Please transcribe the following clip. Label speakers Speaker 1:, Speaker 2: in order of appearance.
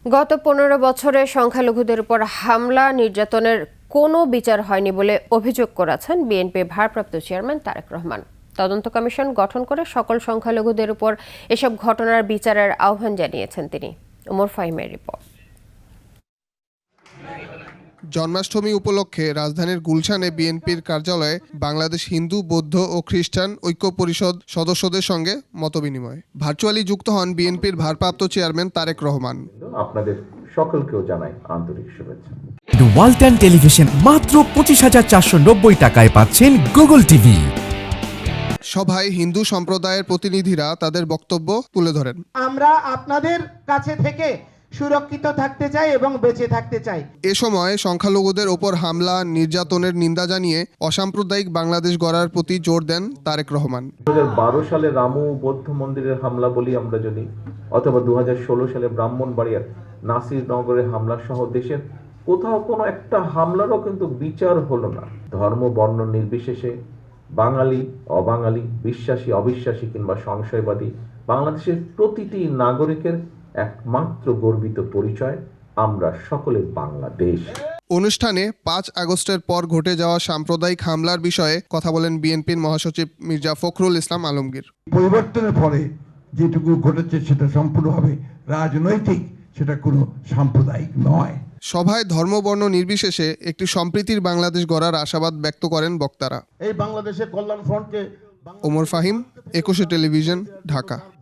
Speaker 1: গত 15 বছরে সংখ্যালঘুদের উপর হামলা নির্যাতনের কোনো বিচার হয়নি বলে অভিযোগ করেছেন বিএনপি ভারপ্রাপ্ত চেয়ারম্যান তারেক রহমান। তদন্ত কমিশন গঠন করে সকল সংখ্যালঘুদের উপর এসব ঘটনার বিচারের আহ্বান জানিয়েছেন তিনি। ওমর ফাহিমের রিপোর্ট।
Speaker 2: জন্মাষ্টমী উপলক্ষে রাজধানীর গুলশানে বিএনপির কার্যালয়ে বাংলাদেশ হিন্দু, বৌদ্ধ ও খ্রিস্টান ঐক্য পরিষদ সদস্যদের সঙ্গে মতবিনিময়। ভার্চুয়ালি যুক্ত হন বিএনপির ভারপ্রাপ্ত চেয়ারম্যান তারেক রহমান।
Speaker 3: আপনাদের সকলকেও জানাই আন্তরিক শুভেচ্ছা।
Speaker 4: ওয়ালটন টেলিভিশন মাত্র 25,490 টাকায় পাচ্ছেন গুগল টিভি।
Speaker 2: সভায় হিন্দু সম্প্রদায়ের প্রতিনিধিরা তাদের বক্তব্য তুলে ধরেন।
Speaker 5: আমরা আপনাদের কাছে থেকে সুরক্ষিত থাকতে চাই এবং বেঁচে থাকতে চাই।
Speaker 2: এ সময় সংখ্যালঘুদের ওপর হামলা নির্যাতনের নিন্দা জানিয়ে অসাম্প্রদায়িক বাংলাদেশ গড়ার প্রতি জোর দেন তারেক রহমান।
Speaker 3: 2012 সালে রামু বৌদ্ধ মন্দিরের হামলা বলি আমরা যদি, অথবা 2016 সালে ব্রাহ্মণবাড়িয়ার নাসিরনগরের হামলা সহ দেশের কোথাও কোনো একটা হামলারও কিন্তু বিচার হলো না। ধর্ম বর্ণ নির্বিশেষে বাঙালি অবাঙালি, বিশ্বাসী অবিশ্বাসী কিংবা সংশয়বাদী, বাংলাদেশের প্রতিটি নাগরিকের একমাত্র গর্বিত পরিচয়, আমরা সকলে বাংলাদেশ।
Speaker 2: অনুষ্ঠানে 5 আগস্টের পর ঘটে যাওয়া সাম্প্রদায়িক হামলার বিষয়ে কথা বলেন বিএনপির মহাসচিব মির্জা ফখরুল ইসলাম আলমগীর।
Speaker 6: পরিবর্তনের ফলে যেটুকু ঘটেছে সেটা সম্পূর্ণভাবে রাজনৈতিক, সেটা কোনো সাম্প্রদায়িক নয়।
Speaker 2: সভায় ধর্ম বর্ণ নির্বিশেষে একটি সম্প্রীতির বাংলাদেশ গড়ার আশাবাদ ব্যক্ত করেন বক্তারা।
Speaker 7: এই বাংলাদেশের কল্যাণ ফ্রন্টকে
Speaker 2: ওমর ফাহিম, 21 টেলিভিশন, ঢাকা।